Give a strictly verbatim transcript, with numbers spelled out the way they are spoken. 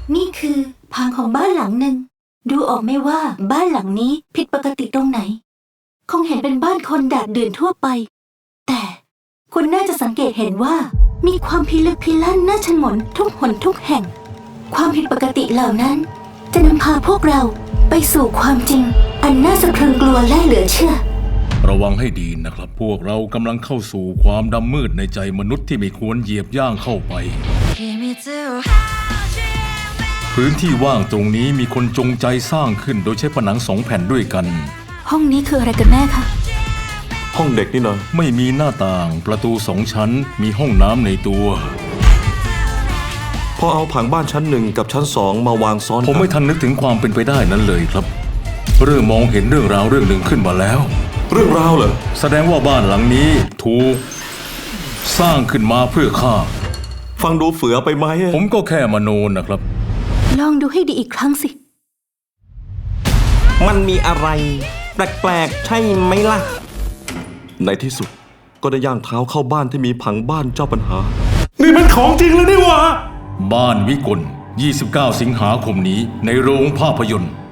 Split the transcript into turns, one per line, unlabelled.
นี่คือพังของบ้านหลังหนึ่งดูออกไหมว่าบ้านหลังนี้ผิดปกติตรงไหนคงเห็นเป็นบ้านคนดาดเดือนทั่วไปแต่คุณน่าจะสังเกตเห็นว่ามีความพิลึกพิลั่นน่าชงนทุกหนทุกแห่งความผิดปกติเหล่านั้นจะนำพาพวกเราไปสู่ความจริงอันน่าสะพรึงกลัวและเหลือเชื่อ
ระวังให้ดีนะครับพวกเรากำลังเข้าสู่ความดำมืดในใจมนุษย์ที่ไม่ควรเหยียบย่างเข้าไปพื้นที่ว่างตรงนี้มีคนจงใจสร้างขึ้นโดยใช้ผนังสองแผ่นด้วยกัน
ห้องนี้คืออะไรกันแน่คะ
ห้องเด็กนี่นะ
ไม่มีหน้าต่างประตูสองชั้นมีห้องน้ำในตัว
พอเอาผังบ้านชั้นหนึ่งกับชั้นสองมาวางซ้อนกัน
ผมไม่ทันนึกถึงความเป็นไปได้นั้นเลยครับเริ่มมองเห็นเรื่องราวเรื่องหนึ่งขึ้นมาแล้ว
เรื่องราวเหรอ
แสดงว่าบ้านหลังนี้ถูกสร้างขึ้นมาเพื่อข้า
ฟังดูเฟือไปไหม
ผมก็แค่มโนนะครับ
ลองดูให้ดีอีกครั้งสิ
มันมีอะไรแปลกๆใช่ไหมล่ะ
ในที่สุดก็ได้ย่างเท้าเข้าบ้านที่มีผังบ้านเจ้าปัญหา
นี่มันของจริงเลยนี่หว่า
บ้านวิกลยี่สิบเก้าสิงหาคมนี้ในโรงภาพยนตร์